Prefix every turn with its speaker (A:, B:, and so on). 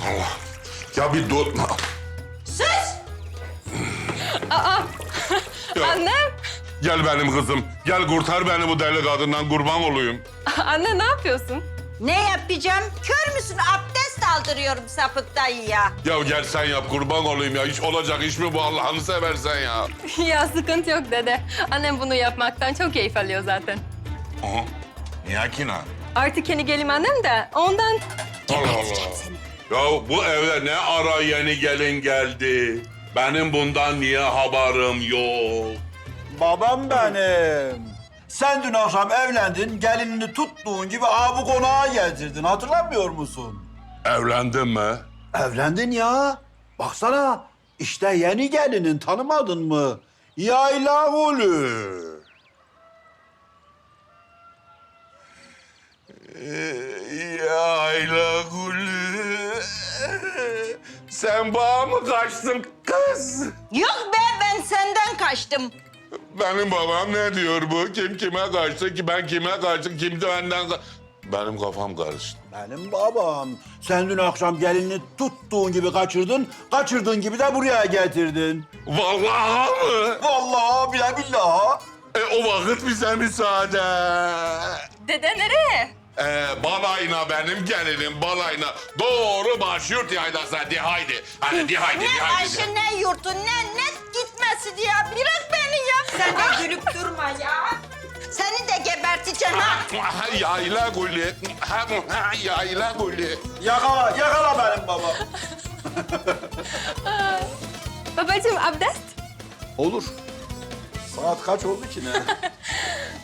A: Allah. Ya bir dur.
B: Sus!
A: Ya,
C: Annem!
A: gel benim kızım. Gel kurtar beni bu deli kadından, kurban olayım.
C: Anne ne yapıyorsun?
B: Ne yapacağım? Kör müsün? Abdest aldırıyorum sapık dayıya.
A: Ya gel sen yap, kurban olayım ya. Hiç olacak iş mi bu, Allah'ını seversen ya?
C: Ya sıkıntı yok dede. Annem bunu yapmaktan çok keyif alıyor zaten.
A: Aha. Niye ki ne?
C: Artık yeni gelin annem de ondan...
A: Allah Allah. Ya bu eve ne ara yeni gelin geldi? Benim bundan niye haberim yok?
D: Babam benim. Sen dün akşam evlendin, gelinini tuttuğun gibi bu konağa getirdin. Hatırlamıyor musun?
A: Evlendin mi?
D: Evlendin ya. Baksana, işte yeni gelinin, tanımadın mı? Yayla Gülü.
A: Yayla Gülü. Sen bana mı kaçtın kız?
B: Yok be, ben senden kaçtım.
A: Benim babam ne diyor bu? Kim kime kaçtı ki, ben kime kaçtım, kim de benden Benim kafam karıştı.
D: Benim babam. Sen dün akşam gelinini tuttuğun gibi kaçırdın, kaçırdığın gibi de buraya getirdin.
A: Vallahi mı?
D: Vallahi bile billahi.
A: O vakit bize müsaade.
C: Dede nereye?
A: Balayına benim gelinim, balayına. Doğru başyurt yaylasına, de haydi. Hadi de haydi, de
B: Ne
A: haydi.
B: Ayşe, ne yurtu, ne gitmesi diye. Bırak beni ya. Sen de gülüp durma ya. Seni de geberteceğim ha.
A: Yayla Gülü. Yayla Gülü.
D: Yakala, yakala benim babam.
C: Babacığım abdest?
D: Olur. Saat kaç oldu ki ne?